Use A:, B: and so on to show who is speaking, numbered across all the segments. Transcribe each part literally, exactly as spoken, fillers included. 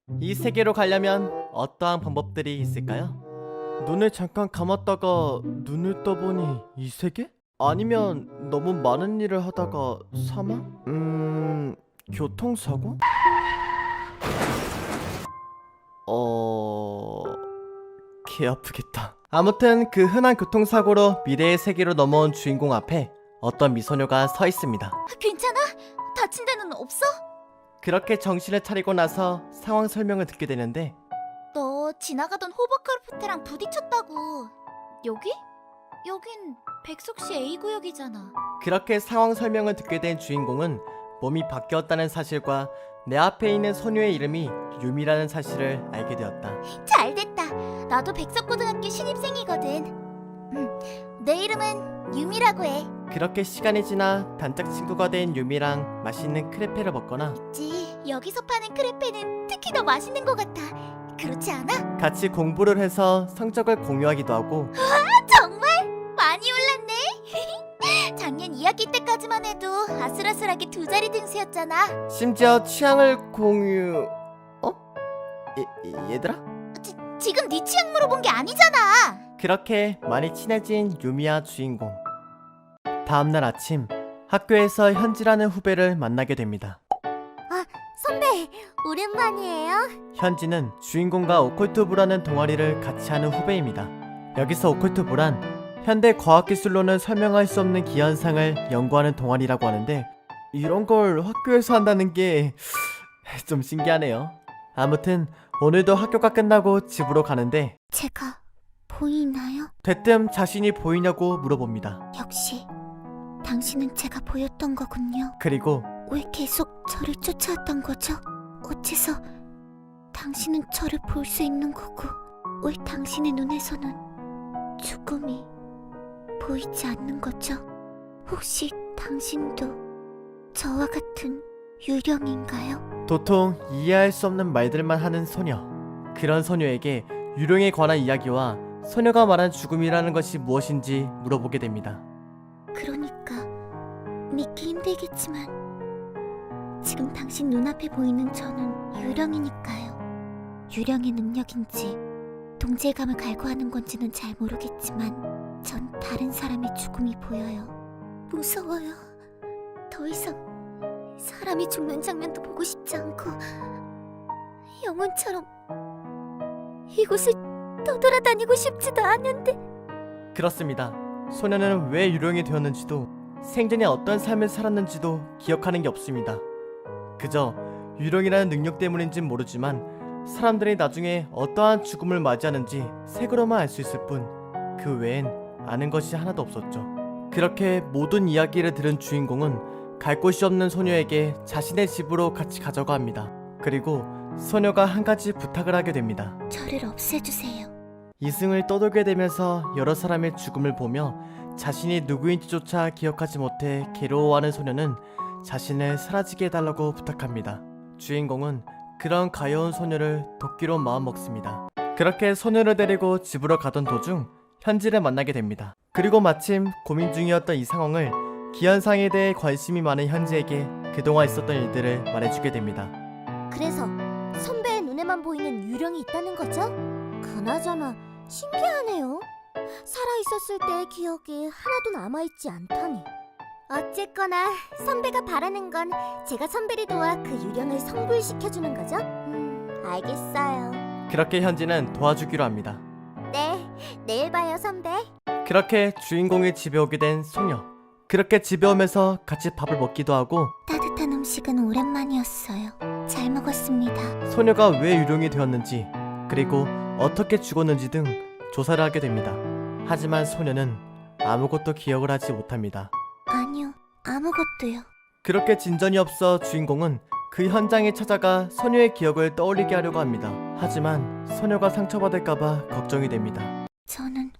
A: 이 세계로 가려면 어떠한 방법들이 있을까요? 눈을 잠깐 감았다가 눈을 떠보니 이 세계? 아니면 너무 많은 일을 하다가 사망? 음... 교통사고? 어... 개 아프겠다. 아무튼 그 흔한 교통사고로 미래의 세계로 넘어온 주인공 앞에 어떤 미소녀가 서 있습니다.
B: 괜찮아? 다친 데는 없어?
A: 그렇게 정신을 차리고 나서 상황 설명을 듣게 되는데
B: 너 지나가던 호버크라프트랑 부딪혔다고. 여기? 여긴 백석시 에이 구역이잖아.
A: 그렇게 상황 설명을 듣게 된 주인공은 몸이 바뀌었다는 사실과 내 앞에 있는 소녀의 이름이 유미라는 사실을 알게 되었다.
B: 잘됐다. 나도 백석고등학교 신입생이거든. 음, 내 이름은 유미라고 해.
A: 그렇게 시간이 지나 단짝 친구가 된 유미랑 맛있는 크레페를 먹거나
B: 있지. 여기서 파는 크레페는 특히 더 맛있는 것 같아. 그렇지 않아?
A: 같이 공부를 해서 성적을 공유하기도 하고
B: 정말? 많이 올랐네. 작년 이 학기 때까지만 해도 아슬아슬하게 두 자리 등수였잖아.
A: 심지어 취향을 공유... 어? 얘, 얘들아?
B: 지, 지금 네 취향 물어본 게 아니잖아.
A: 그렇게 많이 친해진 유미와 주인공. 다음날 아침 학교에서 현지라는 후배를 만나게 됩니다.
B: 선배, 오랜만이에요.
A: 현지는 주인공과 오컬트부라는 동아리를 같이 하는 후배입니다. 여기서 오컬트부란 현대 과학기술로는 설명할 수 없는 기현상을 연구하는 동아리라고 하는데 이런 걸 학교에서 한다는 게 좀 신기하네요. 아무튼 오늘도 학교가 끝나고 집으로 가는데
B: 제가 보이나요?
A: 대뜸 자신이 보이냐고 물어봅니다.
B: 역시 당신은 제가 보였던 거군요.
A: 그리고
B: 왜 계속 저를 쫓아왔던 거죠? 어째서 당신은 저를 볼 수 있는 거고 왜 당신의 눈에서는 죽음이 보이지 않는 거죠? 혹시 당신도 저와 같은 유령인가요?
A: 도통 이해할 수 없는 말들만 하는 소녀. 그런 소녀에게 유령에 관한 이야기와 소녀가 말한 죽음이라는 것이 무엇인지 물어보게 됩니다.
B: 그러니까 믿기 힘들겠지만 지금 당신 눈앞에 보이는 저는 유령이니까요. 유령의 능력인지 동질감을 갈구하는 건지는 잘 모르겠지만 전 다른 사람의 죽음이 보여요. 무서워요. 더 이상 사람이 죽는 장면도 보고 싶지 않고 영혼처럼 이곳을 떠돌아다니고 싶지도 않은데.
A: 그렇습니다. 소녀는 왜 유령이 되었는지도 생전에 어떤 삶을 살았는지도 기억하는 게 없습니다. 그저 유령이라는 능력 때문인진 모르지만 사람들이 나중에 어떠한 죽음을 맞이하는지 색으로만 알 수 있을 뿐 그 외엔 아는 것이 하나도 없었죠. 그렇게 모든 이야기를 들은 주인공은 갈 곳이 없는 소녀에게 자신의 집으로 같이 가자고 합니다. 그리고 소녀가 한 가지 부탁을 하게 됩니다.
B: 저를 없애주세요.
A: 이승을 떠돌게 되면서 여러 사람의 죽음을 보며 자신이 누구인지조차 기억하지 못해 괴로워하는 소녀는 자신을 사라지게 해달라고 부탁합니다. 주인공은 그런 가여운 소녀를 돕기로 마음먹습니다. 그렇게 소녀를 데리고 집으로 가던 도중 현지를 만나게 됩니다. 그리고 마침 고민 중이었던 이 상황을 기현상에 대해 관심이 많은 현지에게 그동안 있었던 일들을 말해주게 됩니다.
B: 그래서 선배의 눈에만 보이는 유령이 있다는 거죠? 그나저나 신기하네요. 살아있었을 때의 기억이 하나도 남아있지 않다니. 어쨌거나 선배가 바라는 건 제가 선배를 도와 그 유령을 성불시켜주는 거죠? 음, 알겠어요.
A: 그렇게 현지는 도와주기로 합니다.
B: 네, 내일 봐요 선배.
A: 그렇게 주인공이 집에 오게 된 소녀. 그렇게 집에 오면서 같이 밥을 먹기도 하고
B: 따뜻한 음식은 오랜만이었어요. 잘 먹었습니다.
A: 소녀가 왜 유령이 되었는지 그리고 어떻게 죽었는지 등 조사를 하게 됩니다. 하지만 소녀는 아무것도 기억을 하지 못합니다.
B: 아니요, 아무것도요.
A: 그렇게 진전이 없어 주인공은 그 현장에 찾아가 소녀의 기억을 떠올리게 하려고 합니다. 하지만 소녀가 상처받을까봐 걱정이 됩니다.
B: 저는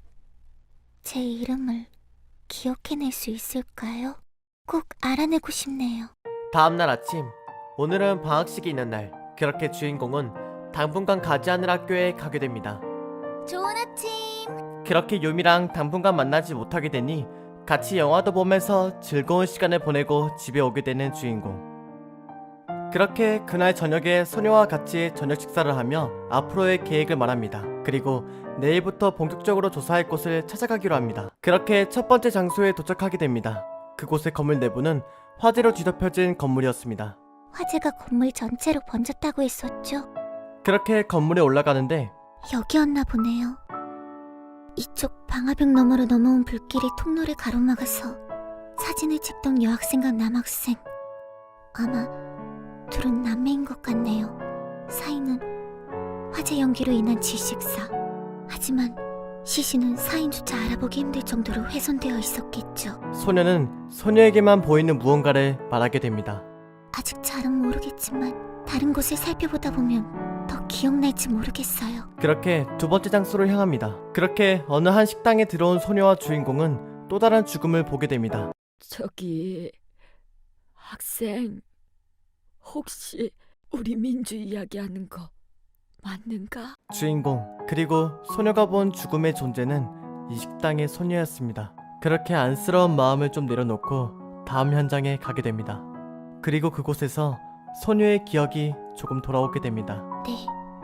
B: 제 이름을 기억해낼 수 있을까요? 꼭 알아내고 싶네요.
A: 다음날 아침, 오늘은 방학식이 있는 날. 그렇게 주인공은 당분간 가지 않을 학교에 가게 됩니다.
B: 좋은 아침.
A: 그렇게 유미랑 당분간 만나지 못하게 되니 같이 영화도 보면서 즐거운 시간을 보내고 집에 오게 되는 주인공. 그렇게 그날 저녁에 소녀와 같이 저녁 식사를 하며 앞으로의 계획을 말합니다. 그리고 내일부터 본격적으로 조사할 곳을 찾아가기로 합니다. 그렇게 첫 번째 장소에 도착하게 됩니다. 그곳의 건물 내부는 화재로 뒤덮여진 건물이었습니다.
B: 화재가 건물 전체로 번졌다고 했었죠?
A: 그렇게 건물에 올라가는데
B: 여기였나 보네요. 이쪽 방화벽 너머로 넘어온 불길이 통로를 가로막아서 사진을 찍던 여학생과 남학생, 아마 둘은 남매인 것 같네요. 사인은 화재 연기로 인한 질식사. 하지만 시신은 사인조차 알아보기 힘들 정도로 훼손되어 있었겠죠.
A: 소녀는 소녀에게만 보이는 무언가를 말하게 됩니다.
B: 아직 잘은 모르겠지만 다른 곳을 살펴보다 보면 더 기억날지 모르겠어요.
A: 그렇게 두 번째 장소로 향합니다. 그렇게 어느 한 식당에 들어온 소녀와 주인공은 또 다른 죽음을 보게 됩니다.
C: 저기 학생, 혹시 우리 민주 이야기하는 거 맞는가?
A: 주인공 그리고 소녀가 본 죽음의 존재는 이 식당의 소녀였습니다. 그렇게 안쓰러운 마음을 좀 내려놓고 다음 현장에 가게 됩니다. 그리고 그곳에서 소녀의 기억이 조금 돌아오게 됩니다.
B: 네,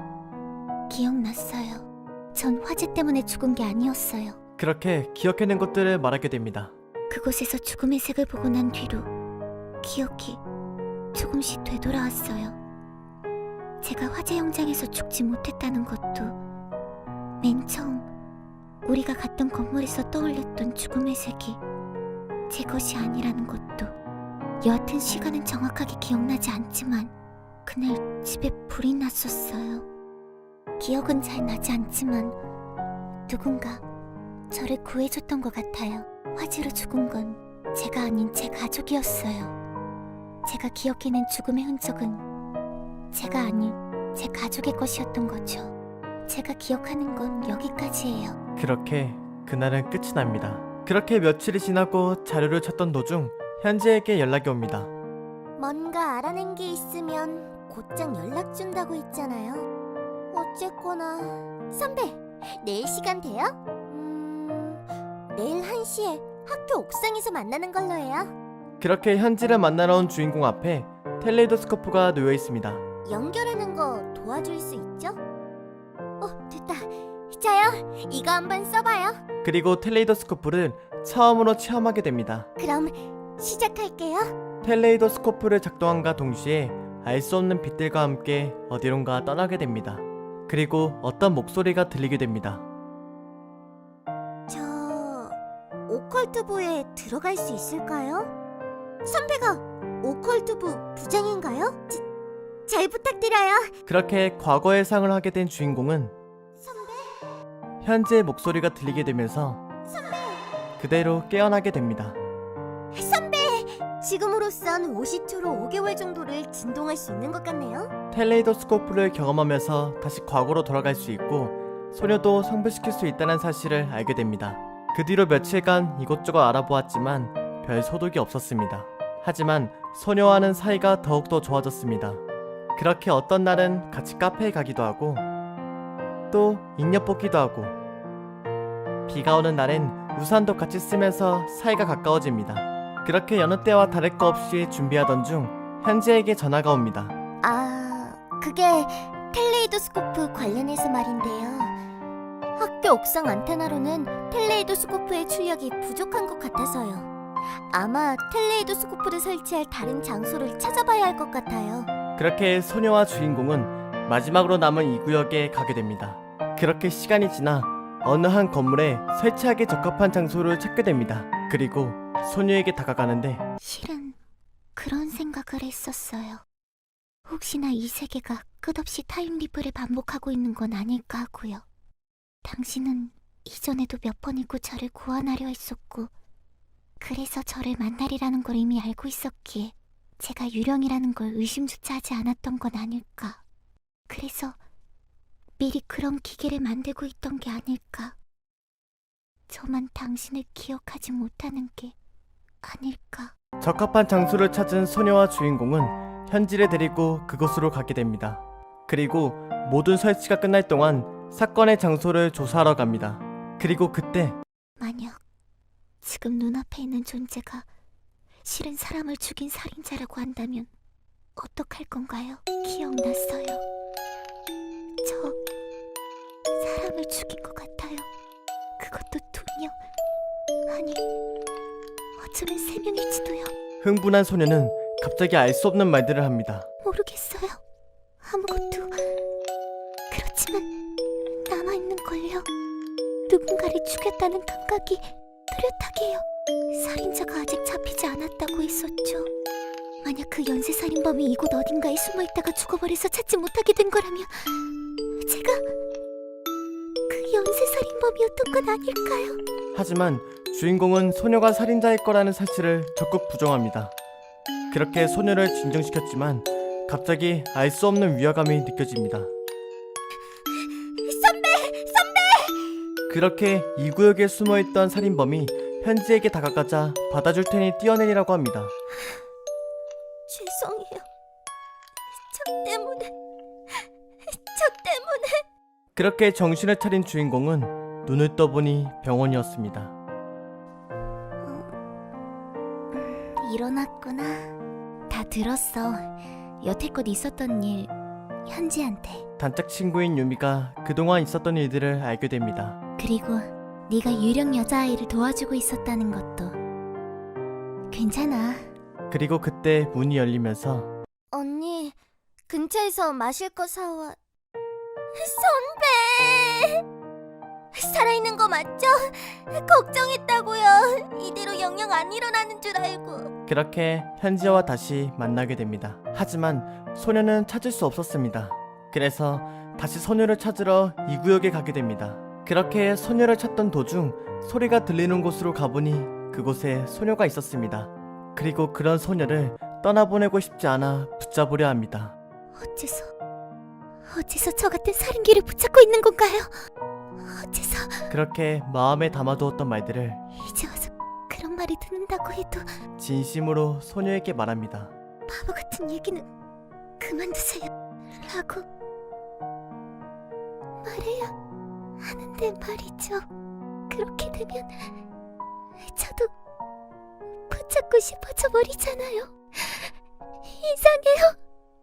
B: 기억났어요. 전 화재 때문에 죽은 게 아니었어요.
A: 그렇게 기억해낸 것들을 말하게 됩니다.
B: 그곳에서 죽음의 색을 보고 난 뒤로 기억이 조금씩 되돌아왔어요. 제가 화재 현장에서 죽지 못했다는 것도, 맨 처음 우리가 갔던 건물에서 떠올렸던 죽음의 색이 제 것이 아니라는 것도. 여하튼 시간은 정확하게 기억나지 않지만 그날 집에 불이 났었어요. 기억은 잘 나지 않지만 누군가 저를 구해줬던 것 같아요. 화재로 죽은 건 제가 아닌 제 가족이었어요. 제가 기억해낸 죽음의 흔적은 제가 아닌 제 가족의 것이었던 거죠. 제가 기억하는 건 여기까지예요.
A: 그렇게 그날은 끝이 납니다. 그렇게 며칠이 지나고 자료를 찾던 도중 현지에게 연락이 옵니다.
B: 뭔가 알아낸 게 있으면 곧장 연락 준다고 했잖아요. 어쨌거나 선배, 내일 시간 돼요? 음... 내일 한 시에 학교 옥상에서 만나는 걸로 해요.
A: 그렇게 현지를 만나러 온 주인공 앞에 텔레이도스코프가 놓여 있습니다.
B: 연결하는 거 도와줄 수 있죠? 어, 됐다. 자요, 이거 한번 써봐요.
A: 그리고 텔레이도스코프를 처음으로 체험하게 됩니다.
B: 그럼 시작할게요.
A: 텔레이도스코프를 작동함과 동시에 알 수 없는 빛들과 함께 어디론가 떠나게 됩니다. 그리고 어떤 목소리가 들리게 됩니다.
B: 저... 오컬트부에 들어갈 수 있을까요? 선배가 오컬트부 부장인가요? 자, 잘 부탁드려요.
A: 그렇게 과거의 상을 하게 된 주인공은
B: 선배?
A: 현지의 목소리가 들리게 되면서
B: 선배!
A: 그대로 깨어나게 됩니다.
B: 선배! 지금으로선 오십초로 오 개월 정도를 진동할 수 있는 것 같네요.
A: 텔레이도스코프를 경험하면서 다시 과거로 돌아갈 수 있고 소녀도 성불시킬 수 있다는 사실을 알게 됩니다. 그 뒤로 며칠간 이곳저곳 알아보았지만 별 소득이 없었습니다. 하지만 소녀와는 사이가 더욱더 좋아졌습니다. 그렇게 어떤 날은 같이 카페에 가기도 하고 또 인력 뽑기도 하고 비가 오는 날엔 우산도 같이 쓰면서 사이가 가까워집니다. 그렇게 여느 때와 다를 거 없이 준비하던 중 현지에게 전화가 옵니다.
B: 아... 그게 텔레이도스코프 관련해서 말인데요. 학교 옥상 안테나로는 텔레이도스코프의 출력이 부족한 것 같아서요. 아마 텔레이도스코프를 설치할 다른 장소를 찾아봐야 할 것 같아요.
A: 그렇게 소녀와 주인공은 마지막으로 남은 이 구역에 가게 됩니다. 그렇게 시간이 지나 어느 한 건물에 설치하기 적합한 장소를 찾게 됩니다. 그리고 소녀에게 다가가는데
B: 실은 그런 생각을 했었어요. 혹시나 이 세계가 끝없이 타임리프를 반복하고 있는 건 아닐까 하고요. 당신은 이전에도 몇 번이고 저를 구원하려 했었고 그래서 저를 만나리라는 걸 이미 알고 있었기에 제가 유령이라는 걸 의심조차 하지 않았던 건 아닐까. 그래서 미리 그런 기계를 만들고 있던 게 아닐까. 저만 당신을 기억하지 못하는 게 아닐까.
A: 적합한 장소를 찾은 소녀와 주인공은 현지를 데리고 그곳으로 가게 됩니다. 그리고 모든 설치가 끝날 동안 사건의 장소를 조사하러 갑니다. 그리고 그때
B: 만약 지금 눈앞에 있는 존재가 실은 사람을 죽인 살인자라고 한다면 어떡할 건가요? 기억났어요. 저 사람을 죽인 것 같아요. 그것도 두 명. 아니, 어쩌면 세 명일지도요.
A: 흥분한 소녀는 갑자기 알 수 없는 말들을 합니다.
B: 모르겠어요. 아무것도. 그렇지만 남아있는걸요. 누군가를 죽였다는 감각이 뚜렷하게 해요. 살인자가 아직 잡히지 않았다고 했었죠. 만약 그 연쇄살인범이 이곳 어딘가에 숨어있다가 죽어버려서 찾지 못하게 된 거라면 제가 그 연쇄살인범이었던 건 아닐까요?
A: 하지만 주인공은 소녀가 살인자일 거라는 사실을 적극 부정합니다. 그렇게 소녀를 진정시켰지만 갑자기 알 수 없는 위화감이 느껴집니다.
B: 선배! 선배!
A: 그렇게 이 구역에 숨어있던 살인범이 현지에게 다가가자 받아줄 테니 뛰어내리라고 합니다.
B: 죄송해요. 저 때문에... 저 때문에...
A: 그렇게 정신을 차린 주인공은 눈을 떠보니 병원이었습니다.
B: 일어났구나. 다 들었어. 여태껏 있었던 일 현지한테.
A: 단짝 친구인 유미가 그동안 있었던 일들을 알게 됩니다.
B: 그리고 네가 유령 여자아이를 도와주고 있었다는 것도. 괜찮아.
A: 그리고 그때 문이 열리면서
B: 언니, 근처에서 마실 거 사와. 선배! 살아있는 거 맞죠? 걱정했다고요. 이대로 영영 안 일어나는 줄 알고.
A: 그렇게 현지와 다시 만나게 됩니다. 하지만 소녀는 찾을 수 없었습니다. 그래서 다시 소녀를 찾으러 이 구역에 가게 됩니다. 그렇게 소녀를 찾던 도중 소리가 들리는 곳으로 가보니 그곳에 소녀가 있었습니다. 그리고 그런 소녀를 떠나보내고 싶지 않아 붙잡으려 합니다.
B: 어째서 어째서 저 같은 살인귀를 붙잡고 있는 건가요? 어째서
A: 그렇게 마음에 담아두었던 말들을
B: 이제 와서 그런 말이 듣는다고 해도
A: 진심으로 소녀에게 말합니다.
B: 바보 같은 얘기는 그만두세요 라고 말해야 하는데 말이죠. 그렇게 되면 저도 붙잡고 싶어져 버리잖아요. 이상해요.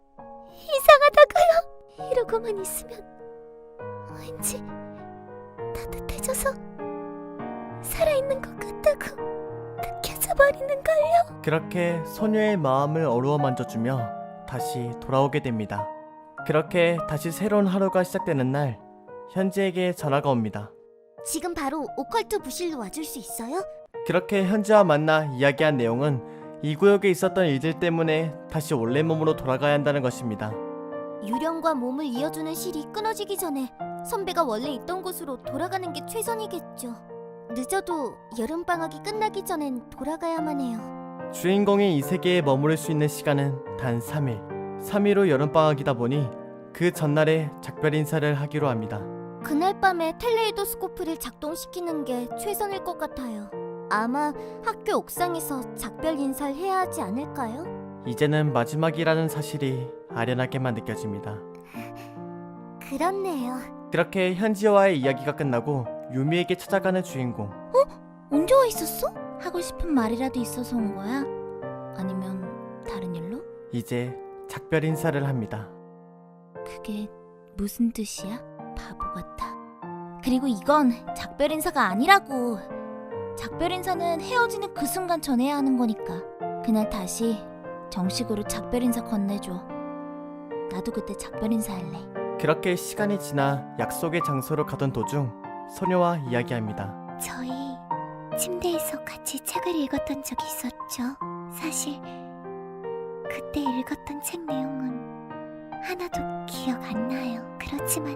B: 이상하다고요. 이러고만 있으면 왠지 따뜻해져서 살아있는 것 같다고 느껴져 버리는걸요.
A: 그렇게 소녀의 마음을 어루어 만져주며 다시 돌아오게 됩니다. 그렇게 다시 새로운 하루가 시작되는 날, 현지에게 전화가 옵니다.
B: 지금 바로 오컬트 부실로 와줄 수 있어요?
A: 그렇게 현지와 만나 이야기한 내용은 이 구역에 있었던 일들 때문에 다시 원래 몸으로 돌아가야 한다는 것입니다.
B: 유령과 몸을 이어주는 실이 끊어지기 전에 선배가 원래 있던 곳으로 돌아가는 게 최선이겠죠. 늦어도 여름방학이 끝나기 전엔 돌아가야만 해요.
A: 주인공이 이 세계에 머무를 수 있는 시간은 단 삼 일. 삼 일 후 여름방학이다 보니 그 전날에 작별 인사를 하기로 합니다.
B: 그날 밤에 텔레이도스코프를 작동시키는 게 최선일 것 같아요. 아마 학교 옥상에서 작별 인사를 해야 하지 않을까요?
A: 이제는 마지막이라는 사실이 아련하게만 느껴집니다.
B: 그렇네요.
A: 그렇게 현지와의 이야기가 끝나고 유미에게 찾아가는 주인공.
B: 언제 와 있었어? 하고 싶은 말이라도 있어서 온 거야? 아니면 다른 일로?
A: 이제 작별 인사를 합니다.
B: 그게 무슨 뜻이야? 바보 같아. 그리고 이건 작별 인사가 아니라고. 작별 인사는 헤어지는 그 순간 전해야 하는 거니까. 그날 다시 정식으로 작별 인사 건네줘. 나도 그때 작별 인사할래.
A: 그렇게 시간이 지나 약속의 장소로 가던 도중 소녀와 이야기합니다.
B: 저희 침대에서 같이 책을 읽었던 적이 있었죠. 사실 그때 읽었던 책 내용은 하나도 기억 안 나요. 그렇지만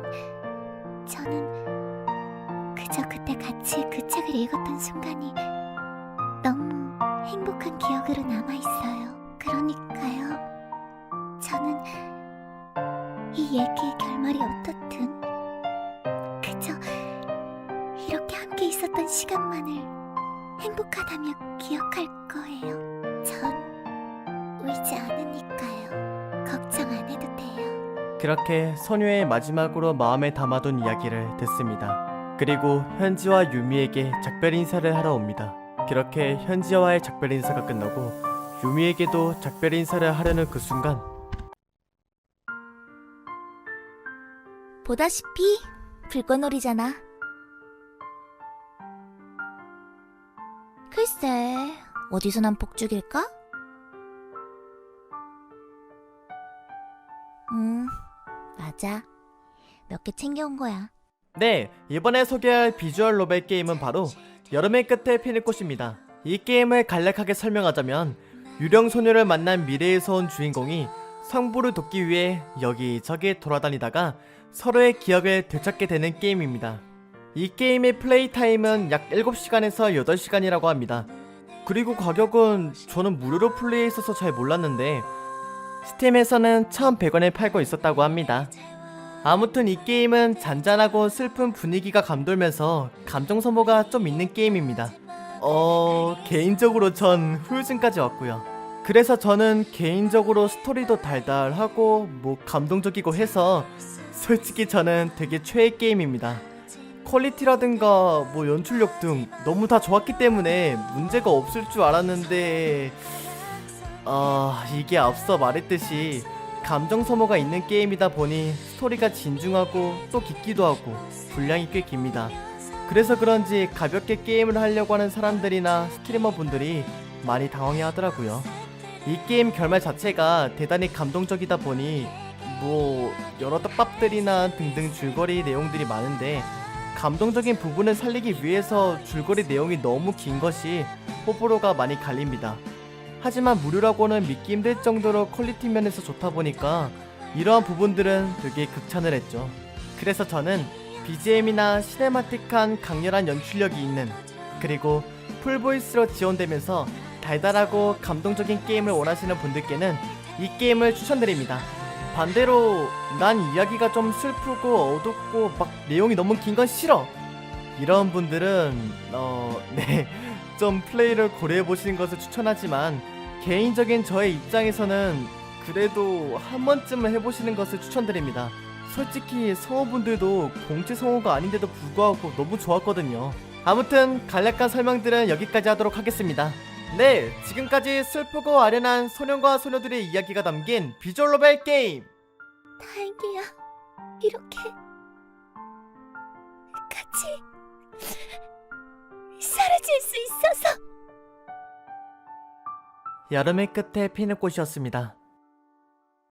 B: 저는 그저 그때 같이 그 책을 읽었던 순간이 너무 행복한 기억으로 남아있어요. 그러니까요. 저는 이 얘기의 결말이 어떻든 그저 이렇게 함께 있었던 시간만을 행복하다며 기억할 거예요. 전 울지 않으니까요. 걱정 안 해도 돼요.
A: 그렇게 소녀의 마지막으로 마음에 담아둔 이야기를 듣습니다. 그리고 현지와 유미에게 작별 인사를 하러 옵니다. 그렇게 현지와의 작별 인사가 끝나고 유미에게도 작별 인사를 하려는 그 순간
B: 보다시피 불꽃놀이잖아. 글쎄, 어디서 난 복죽일까? 음, 맞아. 몇 개 챙겨온 거야.
A: 네, 이번에 소개할 비주얼 노벨 게임은 바로 여름의 끝에 피는 꽃입니다. 이 게임을 간략하게 설명하자면 유령 소녀를 만난 미래에서 온 주인공이 성부를 돕기 위해 여기저기 돌아다니다가 서로의 기억을 되찾게 되는 게임입니다. 이 게임의 플레이 타임은 약 일곱 시간에서 여덟 시간이라고 합니다. 그리고 가격은 저는 무료로 플레이했어서 잘 몰랐는데 스팀에서는 천백 원에 팔고 있었다고 합니다. 아무튼 이 게임은 잔잔하고 슬픈 분위기가 감돌면서 감정 소모가 좀 있는 게임입니다. 어... 개인적으로 전 후유증까지 왔고요. 그래서 저는 개인적으로 스토리도 달달하고 뭐 감동적이고 해서 솔직히 저는 되게 최애 게임입니다. 퀄리티라든가 뭐 연출력 등 너무 다 좋았기 때문에 문제가 없을 줄 알았는데 아... 이게 앞서 말했듯이 감정 소모가 있는 게임이다 보니 스토리가 진중하고 또 깊기도 하고 분량이 꽤 깁니다. 그래서 그런지 가볍게 게임을 하려고 하는 사람들이나 스트리머 분들이 많이 당황해 하더라고요. 이 게임 결말 자체가 대단히 감동적이다 보니 뭐 여러 떡밥들이나 등등 줄거리 내용들이 많은데 감동적인 부분을 살리기 위해서 줄거리 내용이 너무 긴 것이 호불호가 많이 갈립니다. 하지만 무료라고는 믿기 힘들 정도로 퀄리티 면에서 좋다 보니까 이러한 부분들은 되게 극찬을 했죠. 그래서 저는 비지엠이나 시네마틱한 강렬한 연출력이 있는, 그리고 풀보이스로 지원되면서 달달하고 감동적인 게임을 원하시는 분들께는 이 게임을 추천드립니다. 반대로 난 이야기가 좀 슬프고 어둡고 막 내용이 너무 긴 건 싫어, 이런 분들은 어... 네, 좀 플레이를 고려해보시는 것을 추천하지만 개인적인 저의 입장에서는 그래도 한 번쯤은 해보시는 것을 추천드립니다. 솔직히 성우분들도 공채 성우가 아닌데도 불구하고 너무 좋았거든요. 아무튼 간략한 설명들은 여기까지 하도록 하겠습니다. 네, 지금까지 슬프고 아련한 소년과 소녀들의 이야기가 담긴 비주얼 노벨 게임,
B: 다행이야. 이렇게 같이 사라질 수 있어서.
A: 여름의 끝에 피는 꽃이었습니다.